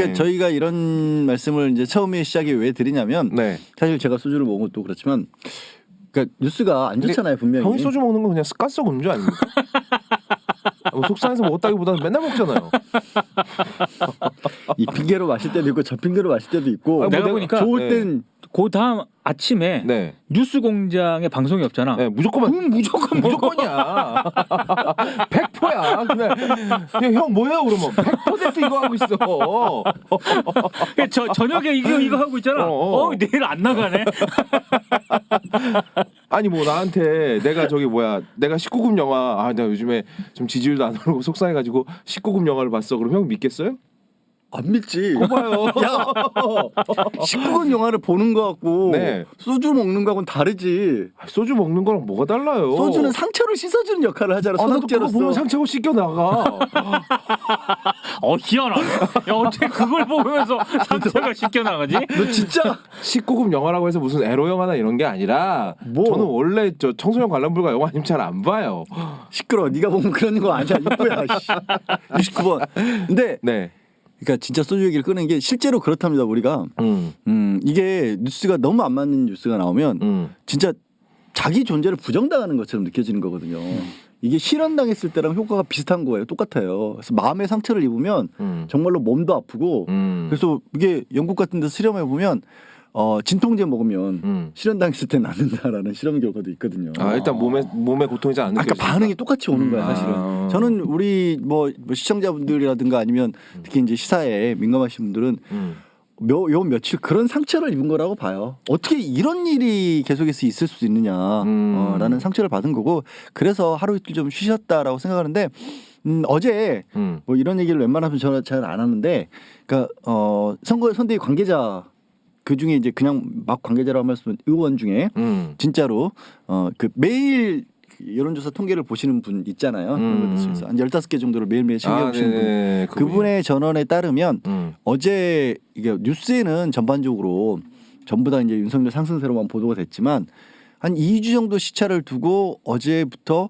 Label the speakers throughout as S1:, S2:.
S1: 그러니까 저희가 이런 말씀을 이제 처음에 시작에 왜 드리냐면
S2: 네.
S1: 사실 제가 소주를 먹은 것도 그렇지만 그러니까 뉴스가 안 좋잖아요 분명히.
S2: 형이 소주 먹는 건 그냥 습관성 음주 아닙니까? 뭐 속상해서 먹었다기보다는 맨날 먹잖아요.
S1: 이 핑계로 마실 때도 있고 저 핑계로 마실 때도 있고.
S2: 아,
S3: 내가
S2: 뭐
S3: 보니까
S1: 좋을 땐
S3: 그 다음 아침에
S2: 네.
S3: 뉴스공장에 방송이 없잖아.
S2: 네, 무조건 무조건이야. 100%야. 그냥 형 뭐야 그러면 100% 이거 하고 있어.
S3: 저녁에 이거 하고 있잖아. 내일 안 나가네.
S2: 아니 뭐 나한테 내가 내가 19금 영화 내가 요즘에 좀 지지율도 안 오르고 속상해가지고 19금 영화를 봤어. 그럼 형 믿겠어요?
S1: 안 믿지.
S2: 봐요.
S1: 야, 19금 영화를 보는 거 같고
S2: 네.
S1: 소주 먹는 거하고는 다르지.
S2: 소주 먹는 거랑 뭐가 달라요?
S1: 소주는 상처를 씻어주는 역할을 하잖아.
S2: 나도 그거
S1: 소독제로서.
S2: 보면 상처가 씻겨 나가.
S3: 희한하네. 야, 어떻게 그걸 보면서 상처가 씻겨 나가지?
S1: 너 진짜
S2: 19금 영화라고 해서 무슨 에로 영화나 이런 게 아니라
S1: 뭐?
S2: 저는 원래 저 청소년 관람 불가 영화 아니면 잘 안 봐요.
S1: 시끄러. 네가 보면 그런 거 아니야. 이쁘야. 69번. 근데
S2: 네.
S1: 그러니까 진짜 소주 얘기를 끄는 게 실제로 그렇답니다. 우리가 이게 뉴스가 너무 안 맞는 뉴스가 나오면 진짜 자기 존재를 부정당하는 것처럼 느껴지는 거거든요. 이게 실현당했을 때랑 효과가 비슷한 거예요. 똑같아요. 그래서 마음의 상처를 입으면 정말로 몸도 아프고 그래서 이게 영국 같은 데서 실험해 보면 진통제 먹으면 실현당했을 때 낫는다라는 실험 결과도 있거든요.
S2: 일단 몸에 고통이 잘 안 느껴지니까.
S1: 그러니까 반응이 똑같이 오는 거야 사실은. 저는 우리 뭐 시청자분들이라든가 아니면 특히 이제 시사에 민감하신 분들은 요 며칠 그런 상처를 입은 거라고 봐요. 어떻게 이런 일이 계속해서 있을 수 있느냐라는 상처를 받은 거고 그래서 하루 이틀 좀 쉬셨다라고 생각하는데 어제 뭐 이런 얘기를 웬만하면 저는 잘 안 하는데 그러니까 선대위 관계자 그 중에 이제 그냥 막 관계자라고 말씀은 의원 중에 진짜로 그 매일 여론조사 통계를 보시는 분 있잖아요. 한 15개 정도를 매일매일 챙겨보시는 분. 그분의 전언에 따르면 어제 이게 뉴스에는 전반적으로 전부 다 이제 윤석열 상승세로만 보도가 됐지만 한 2주 정도 시차를 두고 어제부터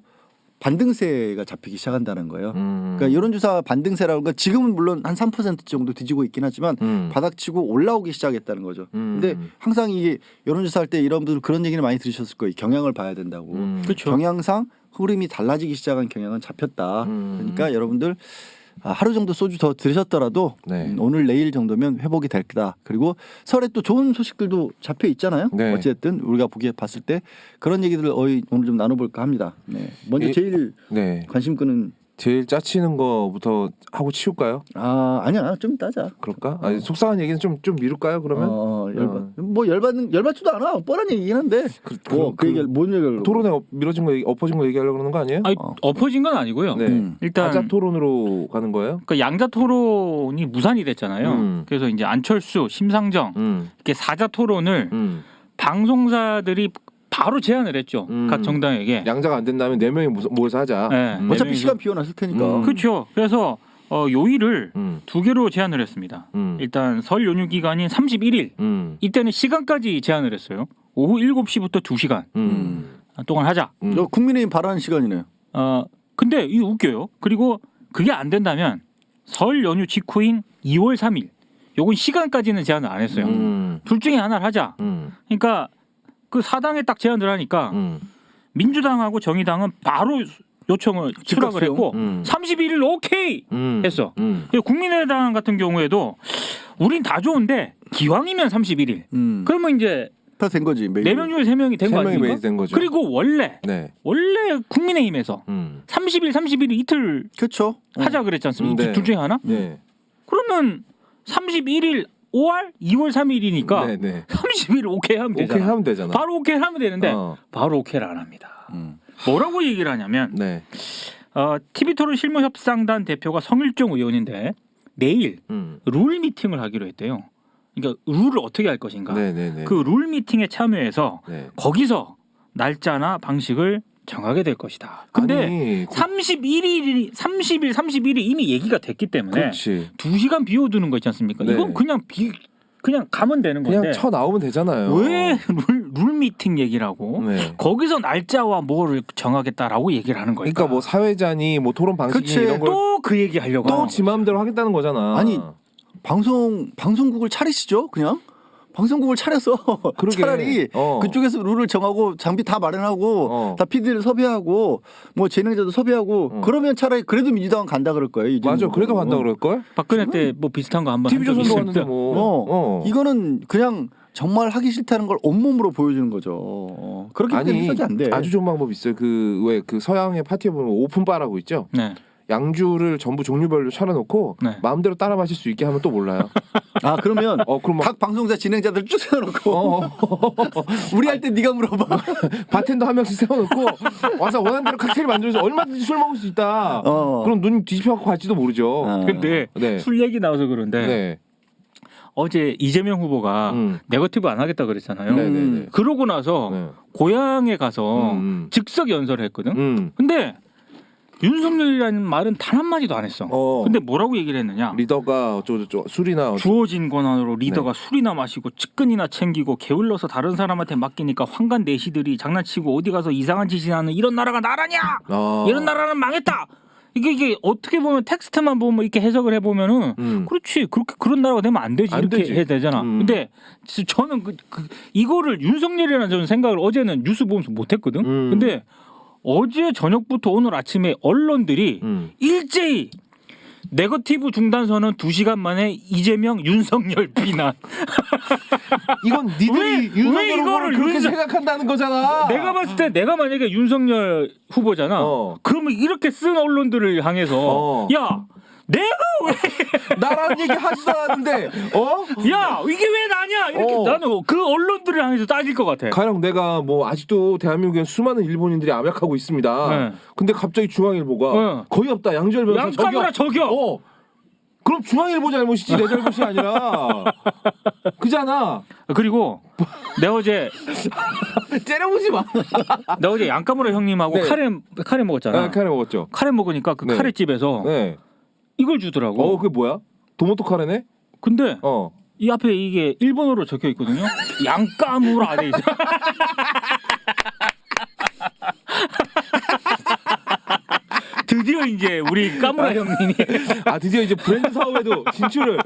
S1: 반등세가 잡히기 시작한다는 거예요. 그러니까 여론조사 반등세라는 건 지금은 물론 한 3% 정도 뒤지고 있긴 하지만 바닥치고 올라오기 시작했다는 거죠. 근데 항상 이게 여론조사 할 때 여러분들 그런 얘기를 많이 들으셨을 거예요. 경향을 봐야 된다고.
S3: 그렇죠.
S1: 경향상 흐름이 달라지기 시작한 경향은 잡혔다. 그러니까 여러분들 하루 정도 소주 더 들으셨더라도 오늘 내일 정도면 회복이 될 거다. 그리고 설에 또 좋은 소식들도 잡혀 있잖아요.
S2: 네.
S1: 어쨌든 우리가 보기에 봤을 때 그런 얘기들을 오늘 좀 나눠볼까 합니다. 네. 먼저 제일 관심 끄는
S2: 제일 짜치는 거부터 하고 치울까요?
S1: 아니야 좀 따자.
S2: 그럴까? 속상한 얘기는 좀 미룰까요? 그러면
S1: 열받지도 않아. 뻔한 얘기긴 한데. 그 얘기 뭔 얘기를?
S2: 토론에 미뤄진 거 엎어진 거 얘기하려고 그러는 거 아니에요?
S3: 아니, 엎어진 건 아니고요.
S2: 네.
S3: 일단
S2: 다자 토론으로 가는 거예요?
S3: 그러니까 양자 토론이 무산이 됐잖아요. 그래서 이제 안철수, 심상정 이렇게 사자 토론을 방송사들이 바로 제안을 했죠. 각 정당에게.
S2: 양자가 안 된다면 4명이 모여서 하자.
S3: 네,
S1: 어차피 시간 비워놨을 테니까.
S3: 그렇죠. 그래서 요일을 2개로 제안을 했습니다. 일단 설 연휴 기간인 31일 이때는 시간까지 제안을 했어요. 오후 7시부터 2시간 동안 하자.
S1: 국민의힘 바라는 시간이네요.
S3: 근데 이게 웃겨요. 그리고 그게 안 된다면 설 연휴 직후인 2월 3일 요건 시간까지는 제안을 안 했어요. 둘 중에 하나를 하자. 그러니까 그 사당에 딱 제안을 하니까 민주당하고 정의당은 바로 요청을 수락을 했고 31일 오케이 했어. 국민의당 같은 경우에도 우린 다 좋은데 기왕이면 31일. 그러면 이제
S1: 다 된 거지.
S3: 4명 중에 3명이 된 거 아닙니까?
S2: 된 거죠.
S3: 그리고 원래 국민의힘에서 31일 이틀
S1: 그렇죠.
S3: 하자 그랬지 않습니까? 둘 중에 하나? 그러면 31일 5월 2월 3일이니까 30일 오케이 하면 되잖아.
S2: 오케이 하면 되잖아.
S3: 바로 오케이 하면 되는데 바로 오케이를 안 합니다. 뭐라고 얘기를 하냐면 TV토론 실무협상단 대표가 성일종 의원인데 내일 룰 미팅을 하기로 했대요. 그러니까 룰을 어떻게 할 것인가. 그 룰 미팅에 참여해서 거기서 날짜나 방식을 정하게 될 것이다. 근데 31일이 31일이 이미 얘기가 됐기 때문에 2시간 비워두는 거 있지 않습니까? 이건 그냥 가면 되는 건데
S2: 그냥 쳐 나오면 되잖아요.
S3: 왜 룰 미팅 얘기를 하고 거기서 날짜와 뭐를 정하겠다라고 얘기를 하는 거니까.
S2: 그러니까 뭐 사회자니 뭐 토론 방식이 이런 걸
S3: 또 그 얘기 하려고
S2: 또 지 마음대로 하겠다는 거잖아.
S1: 아니 방송국을 차리시죠, 그냥. 방송국을 차려서
S2: 그러게.
S1: 차라리 그쪽에서 룰을 정하고 장비 다 마련하고 다 PD를 섭외하고 뭐 재능자도 섭외하고 그러면 차라리 그래도 민주당은 간다 그럴 거예요.
S2: 맞아, 그래도 간다 그럴 걸.
S3: 박근혜 때 뭐 비슷한 거 한번
S2: TV조선도 갔는데 뭐.
S1: 이거는 그냥 정말 하기 싫다는 걸 온몸으로 보여주는 거죠. 그렇게 해서는 안 돼.
S2: 아주 좋은 방법 있어요. 그 왜 그 서양의 파티에 보면 오픈바라고 있죠.
S3: 네.
S2: 양주를 전부 종류별로 차려놓고
S3: 네.
S2: 마음대로 따라 마실 수 있게 하면 또 몰라요.
S1: 아 그러면
S2: 그럼
S1: 각 방송사 진행자들 쭉 세워놓고 우리 할 때 네가 물어봐.
S2: 바텐더 한 명씩 세워놓고 와서 원하는 대로 칵테일 만들어서 얼마든지 술 먹을 수 있다. 그럼 눈 뒤집혀갖고 갈지도 모르죠.
S3: 근데
S2: 네.
S3: 술 얘기 나와서 그런데
S2: 네.
S3: 어제 이재명 후보가 네거티브 안 하겠다 그랬잖아요.
S2: 네네네.
S3: 그러고 나서
S2: 네.
S3: 고향에 가서 즉석 연설을 했거든. 근데 윤석열이라는 말은 단 한마디도 안 했어. 근데 뭐라고 얘기를 했느냐.
S2: 리더가 어쩌고저쩌고 술이나
S3: 주어진 권한으로 리더가 술이나 마시고 측근이나 챙기고 게을러서 다른 사람한테 맡기니까 황간 내시들이 장난치고 어디 가서 이상한 짓이나 하는 이런 나라가 나라냐. 이런 나라는 망했다. 이게 어떻게 보면 텍스트만 보면 이렇게 해석을 해보면은 그렇지 그렇게 그런 나라가 되면 안 되지 이렇게 해야 되잖아. 근데 저는 이거를 윤석열이라는 저는 생각을 어제는 뉴스 보면서 못했거든. 근데 어제 저녁부터 오늘 아침에 언론들이 일제히 네거티브 중단선언 2시간 만에 이재명 윤석열 비난.
S2: 이건 니들이 윤석열 후보를 그렇게 생각한다는 거잖아.
S3: 내가 봤을 때 내가 만약에 윤석열 후보잖아. 그러면 이렇게 쓴 언론들을 향해서 야 내가 왜
S2: 나라는 얘기 하지도 않았는데
S3: 야 이게 왜 나냐 이렇게 나는 그 언론들을 향해서 따질 것 같아.
S2: 가령 내가 뭐 아직도 대한민국에 수많은 일본인들이 암약하고 있습니다.
S3: 네.
S2: 근데 갑자기 중앙일보가 거의 없다. 양지열 변호사
S3: 양카메라 저기요.
S2: 그럼 중앙일보 잘못이지 내 잘못이 아니라 그잖아.
S3: 그리고 내가 어제
S2: 째려보지 마.
S3: 내가 어제 양카메라 형님하고 카레 먹었잖아.
S2: 네, 카레 먹었죠.
S3: 카레 먹으니까 그 카레 집에서 이걸 주더라고.
S2: 그게 뭐야? 도모토 카레네?
S3: 근데 이 앞에 이게 일본어로 적혀 있거든요. 양까무라 돼 있어. 드디어 이제 우리 까무라 형님이
S2: 드디어 이제 브랜드 사업에도 진출을.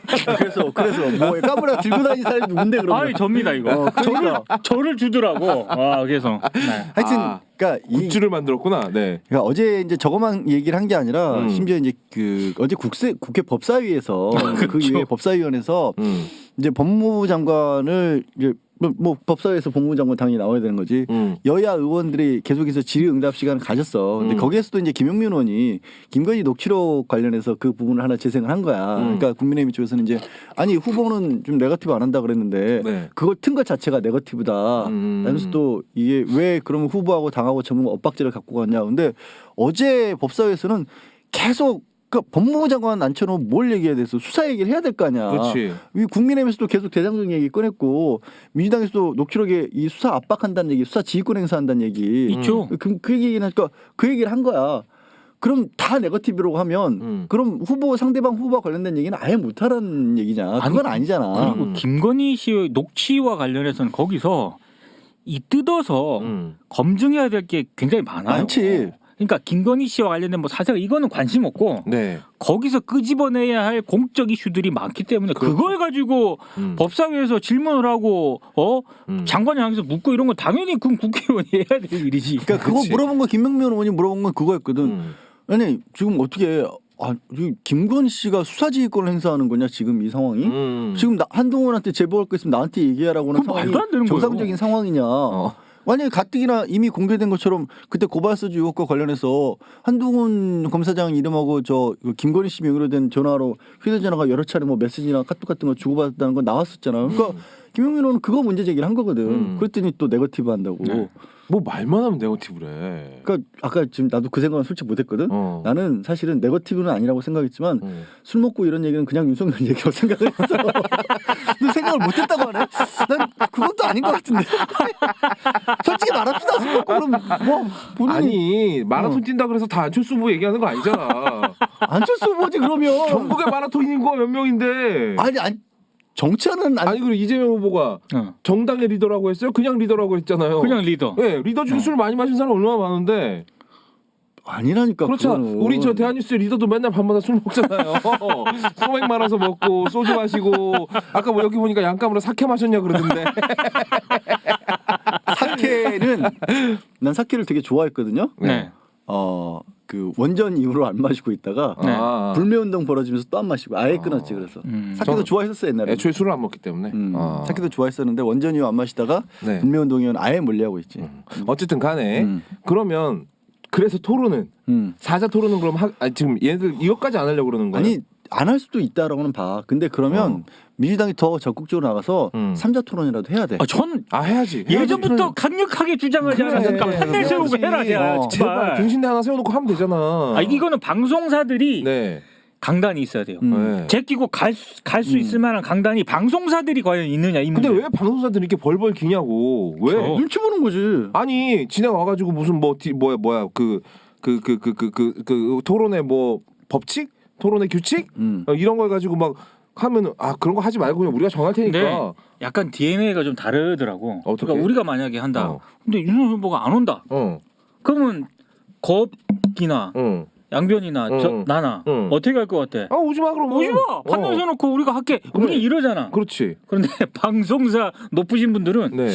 S1: 그래서 뭐 까무라 들고 다니는 사람이 누군데 그러면?
S3: 아이 접니다 이거. 저를 주더라고. 그래서
S1: 하여튼 그러니까
S2: 굿즈를 만들었구나. 네.
S1: 그러니까 어제 이제 저거만 얘기를 한 게 아니라 심지어 이제 그 어제 국회 법사위에서 그 이후에 법사위원회에서 이제 법무부 장관을 이제 뭐 법사위에서 법무부 장관 당연히 나와야 되는 거지. 여야 의원들이 계속해서 질의응답 시간을 가졌어. 근데 거기에서도 이제 김용민 의원이 김건희 녹취록 관련해서 그 부분을 하나 재생을 한 거야. 그러니까 국민의힘 쪽에서는 이제 아니 후보는 좀 네거티브 안 한다 그랬는데 그걸 튼 것 자체가 네거티브다. 그러면서 또 이게 왜 그러면 후보하고 당하고 전부 엇박지를 갖고 갔냐. 근데 어제 법사위에서는 계속 그러니까 법무부 장관 앉혀놓으면 뭘 얘기해야 돼서 수사 얘기를 해야 될 거 아니야.
S2: 그렇지.
S1: 국민의힘에서도 계속 대장동 얘기 꺼냈고 민주당에서도 녹취록에 이 수사 압박한다는 얘기, 수사 지휘권 행사한다는 얘기
S3: 있죠.
S1: 그 얘기는 하니까 그 얘기를 한 거야. 그럼 다 네거티브라고 하면 그럼 상대방 후보와 관련된 얘기는 아예 못하라는 얘기냐? 그건 아니잖아.
S3: 그리고 김건희 씨의 녹취와 관련해서는 거기서 이 뜯어서 검증해야 될 게 굉장히 많아요.
S1: 많지.
S3: 그러니까 김건희 씨와 관련된 뭐 사세가 이거는 관심 없고 거기서 끄집어내야 할 공적 이슈들이 많기 때문에 그걸 가지고 법사위에서 질문을 하고 장관이 향해서 묻고 이런 건 당연히 그럼 국회의원이 해야 될 일이지.
S1: 그러니까 그거 물어본 거 김명민 의원이 물어본 건 그거였거든. 아니 지금 어떻게 김건희 씨가 수사지휘권을 행사하는 거냐 지금 이 상황이? 지금 한동훈한테 제보할 거 있으면 나한테 얘기하라고 하는 상황이 정상적인 상황이냐? 만약에 가뜩이나 이미 공개된 것처럼 그때 고발사주 의혹과 관련해서 한동훈 검사장 이름하고 김건희 씨 명의로 된 전화로 휴대전화가 여러 차례 뭐 메시지나 카톡 같은 거 주고받았다는 건 나왔었잖아. 그러니까 김용민 의원은 그거 문제 제기를 한 거거든. 그랬더니 또 네거티브 한다고.
S2: 뭐 말만 하면 네거티브래.
S1: 그러니까 아까 지금 나도 그 생각은 솔직히 못했거든. 나는 사실은 네거티브는 아니라고 생각했지만 술 먹고 이런 얘기는 그냥 윤석열 얘기라고 생각을 했어. 근데 생각을 못했다고 하네. 난 그건 또 아닌 것 같은데. 솔직히 말합시다. 술 먹고 그럼 뭐 본인이
S2: 아니 마라톤 뛴다 그래서 다 안철수 후보 얘기하는 거 아니잖아.
S1: 안철수 후보지 그러면.
S2: 전국의 마라톤 인구가 몇 명인데.
S1: 아니 정치하는
S2: 그리고 이재명 후보가 정당의 리더라고 했어요? 그냥 리더라고 했잖아요.
S3: 그냥 리더.
S2: 네, 리더 중에 술 많이 마신 사람 얼마나 많은데.
S1: 아니라니까.
S2: 그렇죠.
S1: 그거는.
S2: 우리 저 대한뉴스 리더도 맨날 밤마다 술 먹잖아요. 소맥 말아서 먹고 소주 마시고 아까 뭐 여기 보니까 양감으로 사케 마셨냐 그러던데.
S1: 사케는 난 사케를 되게 좋아했거든요.
S3: 네.
S1: 그 원전 이후로 안 마시고 있다가
S3: 네.
S1: 불매운동 벌어지면서 또 안 마시고 아예 끊었지. 그래서 사케도 좋아했었어 옛날에.
S2: 애초에 술을 안 먹기 때문에.
S1: 사케도 좋아했었는데 원전 이후 안 마시다가
S2: 네.
S1: 불매운동이면 아예 멀리하고 있지.
S2: 어쨌든 간에 그러면 그래서 토론은 사자 토론은 그럼 지금 얘네들 이것까지 안 하려고 그러는 거예요?
S1: 아니 안 할 수도 있다라고는 봐. 근데 그러면 민주당이 더 적극적으로 나가서 삼자 토론이라도 해야 돼.
S3: 전
S2: 해야지.
S3: 예전부터 강력하게 주장하지 않았습니까? 판넬 세우고 해라,
S2: 제발
S3: 제발.
S2: 등신대 하나 세워놓고 하면 되잖아.
S3: 이거는 방송사들이
S2: 네.
S3: 강단이 있어야 돼요.
S2: 네.
S3: 제끼고 갈 수 있을 만한 강단이 방송사들이 과연 있느냐 이 문제.
S2: 근데 왜 방송사들이 이렇게 벌벌 기냐고? 왜?
S1: 눈치 보는 거지.
S2: 아니 진행 와가지고 무슨 뭐야 그 토론의 뭐 법칙, 토론의 규칙 이런 걸 가지고 막 하면 그런 거 하지 말고 그냥 우리가 정할 테니까.
S3: 네. 약간 DNA가 좀 다르더라고.
S2: 어떻게?
S3: 그러니까 우리가 만약에 한다. 근데 윤석열 후보가 안 온다. 그러면 겁이나 양변이나 나나 어떻게 할 것 같아?
S2: 오지 마 그럼.
S3: 오지 마. 판넬 서놓고 우리가 할게.
S2: 그래.
S3: 우리 이러잖아.
S2: 그렇지.
S3: 그런데 방송사 높으신 분들은
S2: 네.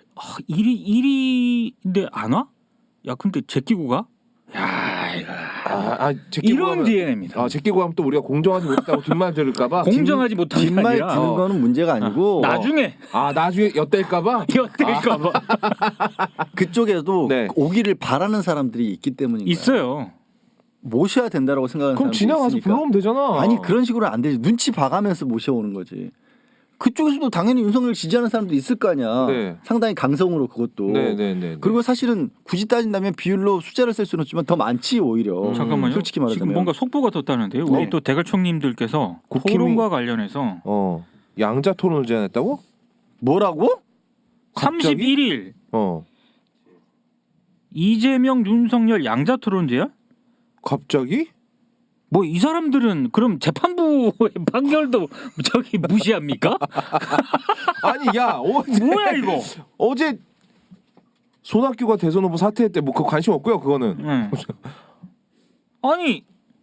S3: 일인데 안 와? 야 근데 제끼고 가? 야 이거
S2: 제끼고
S3: 이런
S2: 가면,
S3: DNA입니다.
S2: 제끼고 하면 또 우리가 공정하지 못했다고 뒷말 들을까봐.
S3: 공정하지 못한 게
S1: 뒷말
S3: 아니라
S1: 듣는 거는 문제가 아니고
S3: 나중에
S2: 나중에 엿댈까봐.
S3: 엿댈까봐
S1: 그쪽에도
S2: 네.
S1: 오기를 바라는 사람들이 있기 때문인 거야.
S3: 있어요.
S1: 모셔야 된다라고 생각하는
S2: 그럼
S1: 사람들이
S2: 진행 와서
S1: 있으니까.
S2: 불러오면 되잖아.
S1: 아니 그런 식으로는 안 되지. 눈치 봐가면서 모셔오는 거지. 그쪽에서도 당연히 윤석열 지지하는 사람도 있을 거 아니야.
S2: 네.
S1: 상당히 강성으로 그것도.
S2: 네네네.
S1: 그리고 사실은 굳이 따진다면 비율로 숫자를 쓸 수는 없지만 더 많지 오히려.
S3: 잠깐만요.
S1: 솔직히 말하자면.
S3: 지금 뭔가 속보가 떴다는데요. 우리
S1: 네.
S3: 또 대갈총님들께서
S2: 국힘이-
S3: 토론과 관련해서
S2: 양자 토론을 제안했다고?
S1: 뭐라고?
S2: 갑자기?
S3: 31일
S2: 어.
S3: 이재명 윤석열 양자 토론제야?
S2: 갑자기?
S3: 뭐 이 사람들은 그럼 재판부의 판결도 저기 무시합니까?
S2: 아니 야 어제
S3: 뭐야 이거?
S2: 어제 손학규가 대선 후보 사퇴했대. 뭐 그거 관심 없고요. 그거는
S3: 응. 아니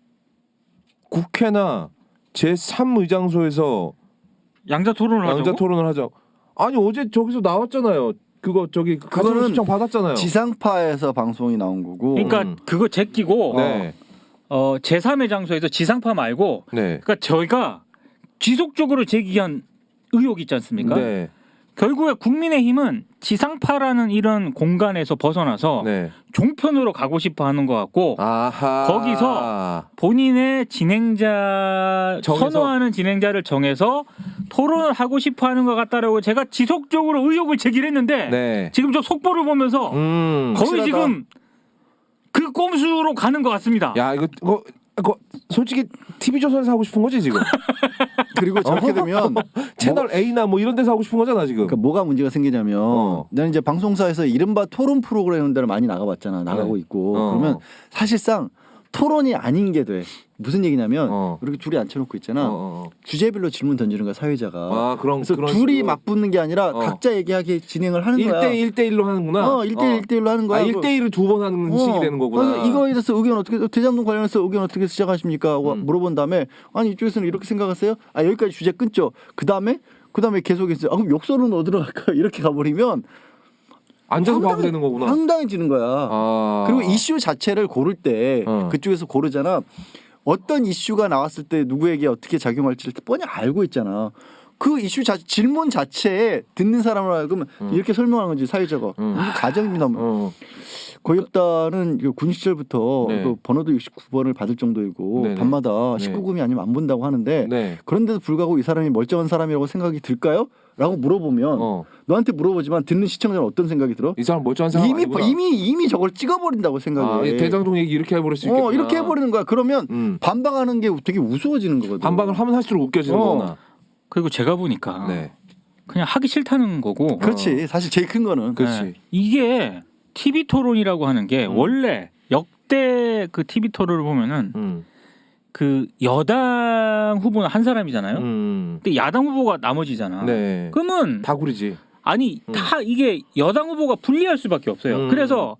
S2: 국회나 제3의장소에서
S3: 양자 토론을
S2: 양자
S3: 하자고?
S2: 토론을 하자. 아니 어제 저기서 나왔잖아요. 그거 저기 가정
S1: 그거는
S2: 신청 받았잖아요.
S1: 지상파에서 방송이 나온 거고.
S3: 그러니까 그거 제끼고
S2: 네.
S3: 제3의 장소에서 지상파 말고
S2: 네.
S3: 그러니까 저희가 지속적으로 제기한 의혹이 있지 않습니까?
S2: 네.
S3: 결국에 국민의힘은 지상파라는 이런 공간에서 벗어나서
S2: 네.
S3: 종편으로 가고 싶어 하는 것 같고
S2: 아하.
S3: 거기서 본인의 진행자
S2: 정해서?
S3: 선호하는 진행자를 정해서 토론을 하고 싶어 하는 것 같다라고 제가 지속적으로 의혹을 제기를 했는데
S2: 네.
S3: 지금 저 속보를 보면서 거의
S1: 확실하다.
S3: 지금 그 꼼수로 가는 것 같습니다.
S2: 야 이거 솔직히 TV조선에서 하고 싶은 거지 지금.
S1: 그리고 저렇게 되면
S2: 채널 A나 뭐 이런 데서 하고 싶은 거잖아 지금.
S1: 그러니까 뭐가 문제가 생기냐면 나는 이제 방송사에서 이른바 토론 프로그램 데를 많이 나가봤잖아. 나가고 있고. 그러면 사실상 토론이 아닌 게 돼. 무슨 얘기냐면 이렇게 둘이 앉혀놓고 있잖아. 주제별로 질문 던지는 거야 사회자가. 그래서
S2: 그런
S1: 둘이
S2: 식으로.
S1: 맞붙는 게 아니라 각자 얘기하게 진행을 하는 거야.
S2: 1대1로 하는구나.
S1: 1대1로 하는 거야.
S2: 1대1을 두 번 하는 식이 되는 거구나.
S1: 그래서 이거에 대해서 의견 어떻게 대장동 관련해서 의견 어떻게 시작하십니까? 하고 물어본 다음에 아니 이쪽에서는 이렇게 생각하세요? 여기까지 주제 끊죠. 그 다음에 계속해서 그럼 욕설은 어디로 갈까? 이렇게 가버리면
S2: 앉아서 봐도 되는 거구나.
S1: 황당해지는 거야. 그리고 이슈 자체를 고를 때 그쪽에서 고르잖아. 어떤 이슈가 나왔을 때 누구에게 어떻게 작용할지를 뻔히 알고 있잖아. 그 이슈 질문 자체에 듣는 사람을 알고 이렇게 설명하는 건지 사회자가 이게 가정입니다. 고엽단은 군 시절부터
S2: 네.
S1: 그 번호도 69번을 받을 정도이고
S2: 네네.
S1: 밤마다
S2: 네.
S1: 19금이 아니면 안 본다고 하는데
S2: 네.
S1: 그런데도 불구하고 이 사람이 멀쩡한 사람이라고 생각이 들까요? 라고 물어보면 너한테 물어보지만 듣는 시청자는 어떤 생각이 들어?
S2: 이 사람 멀쩡한 사람 아니구나.
S1: 이미 저걸 찍어버린다고 생각해.
S2: 대장동 얘기 이렇게 해버릴 수 있겠구나.
S1: 이렇게 해버리는 거야. 그러면 반박하는 게 되게 우스워지는 거거든.
S2: 반박을 하면 할수록 웃겨지는 거구나.
S3: 그리고 제가 보니까
S2: 네.
S3: 그냥 하기 싫다는 거고.
S1: 그렇지. 사실 제일 큰 거는.
S2: 그렇지.
S3: 이게 TV 토론이라고 하는 게 원래 역대 그 TV 토론을 보면은 그 여당 후보는 한 사람이잖아요. 근데 야당 후보가 나머지잖아.
S2: 네.
S3: 그러면
S2: 다구리지.
S3: 아니 다 이게 여당 후보가 불리할 수밖에 없어요. 그래서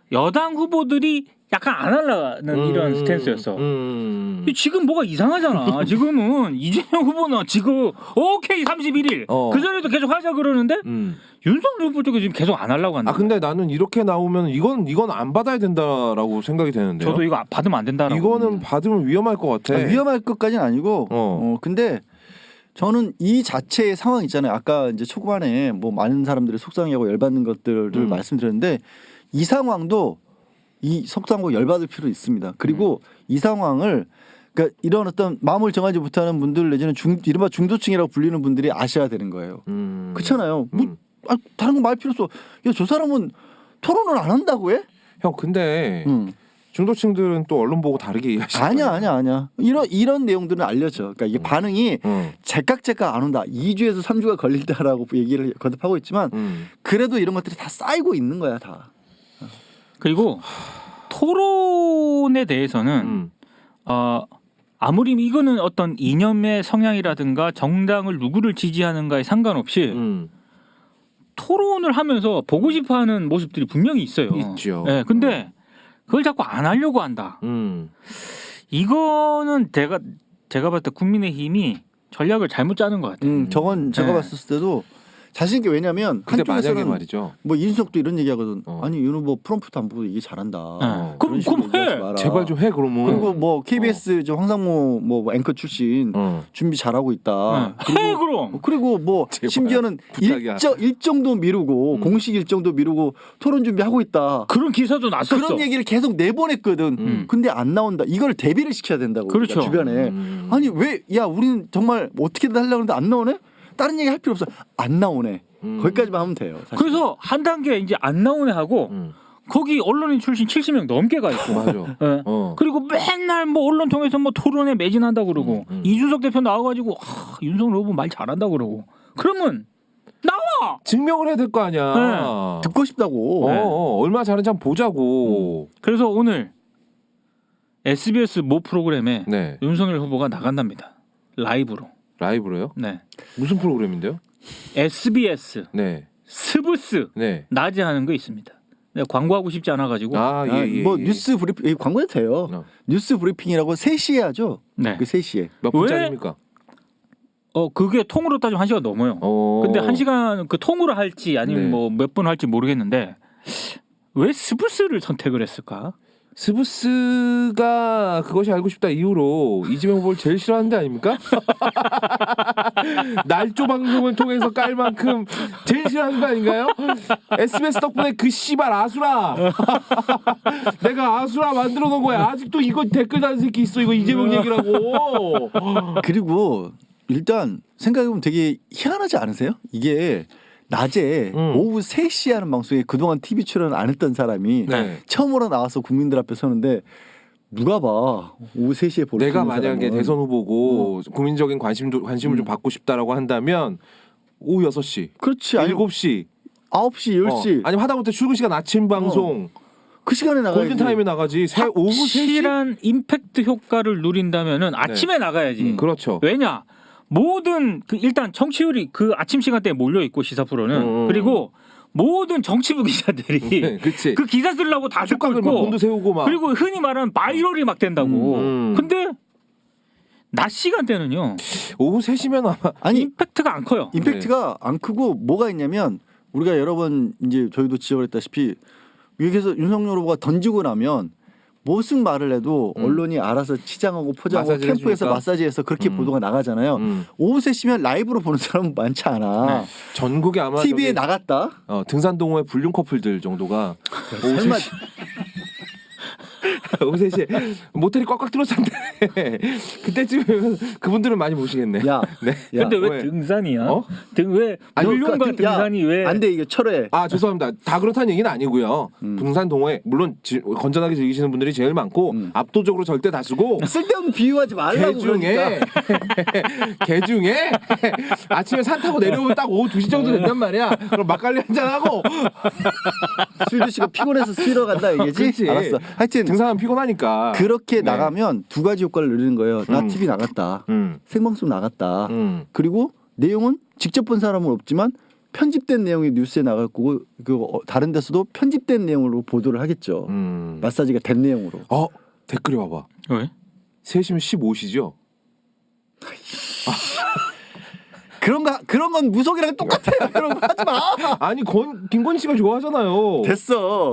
S3: 여당 후보들이 약간 안 하려는 이런 스탠스였어. 지금 뭐가 이상하잖아. 지금은 이재명 후보는 지금 오케이 31일 그 전에도 계속 하자 그러는데 윤석열 후보 쪽에 지금 계속 안 하려고 한다.
S2: 아 근데 나는 이렇게 나오면 이건 안 받아야 된다라고 생각이 되는데요.
S3: 저도 이거 받으면 안 된다라고.
S2: 이거는 받으면 위험할 것 같아.
S1: 위험할 것까지는 아니고 근데 저는 이 자체의 상황 있잖아요. 아까 이제 초반에 뭐 많은 사람들이 속상해하고 열받는 것들을 말씀드렸는데 이 상황도 이 속상하고 열받을 필요 있습니다. 그리고 이 상황을 그러니까 이런 어떤 마음을 정하지 못하는 분들 내지는 이른바 중도층이라고 불리는 분들이 아셔야 되는 거예요. 그렇잖아요. 뭐 다른 거 말 필요 없어. 야, 저 사람은 토론을 안 한다고 해?
S2: 형 근데 중도층들은 또 언론 보고 다르게 이해하시죠.
S1: 아니야. 이런 내용들은 알려져. 그러니까 이게 반응이 제깍 안 온다. 2주에서 3주가 걸린다라고 얘기를 거듭하고 있지만 그래도 이런 것들이 다 쌓이고 있는 거야 다.
S3: 그리고 토론에 대해서는 아무리 이거는 어떤 이념의 성향이라든가 정당을 누구를 지지하는가에 상관없이 토론을 하면서 보고 싶어하는 모습들이 분명히 있어요.
S2: 있죠.
S3: 네, 근데 그걸 자꾸 안 하려고 한다. 이거는 제가 봤을 때 국민의힘이 전략을 잘못 짜는 것 같아요.
S1: 저건 제가 봤을 때도 자신 있게 왜냐면
S2: 근데 만약에
S1: 한쪽에서는
S2: 말이죠.
S1: 뭐 이준석도 이런 얘기하거든. 아니 윤 후보 프롬프트 안 보고 얘기 잘한다.
S3: 그럼 해.
S2: 제발 좀 해 그러면.
S1: 그리고 뭐 KBS 저 황상무 뭐 앵커 출신 준비 잘하고 있다.
S3: 해 그럼.
S1: 그리고 뭐
S2: 제발,
S1: 심지어는
S2: 부탁이야.
S1: 일정도 미루고 공식 일정도 미루고 토론 준비하고 있다.
S3: 그런 기사도 났었어.
S1: 그런 얘기를 계속 내보냈거든. 근데 안 나온다. 이걸 대비를 시켜야 된다고.
S3: 그렇죠.
S1: 주변에. 아니 왜 야 우리는 정말 뭐 어떻게든 하려고 하는데 안 나오네? 다른 얘기 할 필요 없어. 안 나오네. 거기까지만 하면 돼요. 사실.
S3: 그래서 한 단계 이제 안 나오네 하고 거기 언론인 출신 70명 넘게 가 있고.
S2: 맞아.
S3: 네. 그리고 맨날 뭐 언론 통해서 뭐 토론에 매진한다 그러고 이준석 대표 나와가지고 윤석열 후보 말 잘한다 그러고 그러면 나와.
S2: 증명을 해야 될 거 아니야.
S3: 네.
S1: 듣고 싶다고.
S2: 얼마나 잘하는지 한번 보자고.
S3: 그래서 오늘 SBS 모 프로그램에
S2: 네.
S3: 윤석열 후보가 나간답니다. 라이브로.
S2: 라이브로요?
S3: 네.
S2: 무슨 프로그램인데요?
S3: SBS
S2: 네.
S3: 스브스
S2: 네.
S3: 낮에 하는 거 있습니다. 내가 광고하고 싶지 않아가지고.
S1: 뭐 뉴스 브리핑 광고해도 돼요. 뉴스 브리핑이라고 3시에 하죠.
S3: 네.
S1: 그 3시에.
S2: 몇 분짜리입니까?
S3: 그게 통으로 따지면 1시간 넘어요. 근데 1시간 그 통으로 할지 아니면
S2: 네.
S3: 뭐 몇 분 할지 모르겠는데 왜 스브스를 선택을 했을까?
S2: 스브스가 그것이 알고 싶다 이후로 이재명 후보를 제일 싫어하는 데 아닙니까? 날조 방송을 통해서 깔 만큼 제일 싫어하는 거 아닌가요? SBS 덕분에 그 씨발 아수라 내가 아수라 만들어 놓은 거야. 아직도 이거 댓글 다는 새끼 있어. 이거 이재명 얘기라고.
S1: 그리고 일단 생각해보면 되게 희한하지 않으세요? 이게 낮에 오후 3시에 하는 방송에 그동안 TV 출연 안 했던 사람이
S2: 네.
S1: 처음으로 나와서 국민들 앞에 서는데 누가 봐 오후 3시에 볼 수 있는
S2: 내가 만약에
S1: 사람은.
S2: 대선 후보고 국민적인 관심을 좀 받고 싶다라고 한다면 오후 6시,
S1: 그렇지. 아니
S2: 7시,
S1: 9시, 10시
S2: 아니면 하다못해 출근 시간 아침 방송
S1: 그 시간에 나가야지.
S2: 골든타임에 나가지. 오후 3시?
S3: 확실한 임팩트 효과를 누린다면은 아침에 나가야지.
S2: 그렇죠.
S3: 왜냐? 모든 일단 청취율이 그 아침 시간대에 몰려 있고 시사 프로는 그리고 모든 정치부 기자들이
S2: 그치.
S3: 그 기사 쓰려고 다 듣고
S2: 촉각을 막
S3: 있고
S2: 곤두 세우고 막.
S3: 그리고 흔히 말하는 바이럴이 막 된다고. 근데 낮 시간대는요.
S2: 오후 3시면 아마
S1: 아니
S3: 임팩트가 안 커요.
S1: 임팩트가 안 크고 뭐가 있냐면 우리가 여러 번 이제 저희도 지적을 했다시피 여기서 윤석열 후보가 던지고 나면 무슨 말을 해도 언론이 알아서 치장하고 포장하고
S2: 마사지를
S1: 캠프에서
S2: 해주니까.
S1: 마사지해서 그렇게 보도가 나가잖아요. 오후 3시면 라이브로 보는 사람은 많지 않아.
S2: 전국에 아마
S1: TV에 나갔다.
S2: 등산동호회 불륜 커플들 정도가 오후
S1: 설마
S2: 3시 오후 3시에 모텔이 꽉꽉 들어찬데 그때쯤이면 그분들은 많이 보시겠네.
S1: 야,
S2: 네.
S1: 야,
S3: 근데 왜
S2: 왜?
S3: 등산이야?
S2: 어?
S3: 왜 불륜과 등산이 왜?
S1: 안돼 이게 철회.
S2: 아 죄송합니다. 다 그렇다는 얘기는 아니고요. 등산 동호회 물론 건전하게 즐기시는 분들이 제일 많고 압도적으로 절대 다수고
S1: 쓸데없는 비유하지 말라고 그러니까.
S2: 개 중에 아침에 산 타고 내려오면 딱 오후 2시 정도 된단 말이야. 그럼 막걸리 한잔 하고
S1: 술 드시고 피곤해서 쉬러 간다 얘기지.
S2: 그렇지.
S1: 알았어. 하여튼
S2: 등산하면 피곤하니까
S1: 그렇게
S2: 네.
S1: 나가면 두 가지 효과를 누리는 거예요. 나 TV 나갔다. 생방송 나갔다. 그리고 내용은 직접 본 사람은 없지만 편집된 내용이 뉴스에 나갈 거고 다른 데서도 편집된 내용으로 보도를 하겠죠. 마사지가 된 내용으로.
S2: 댓글에 봐봐.
S3: 왜?
S2: 3시면 15시죠?
S1: 그런 건 무속이랑 똑같아요. 그런 거 하지 마.
S2: 아니 김건희 씨가 좋아하잖아요.
S1: 됐어.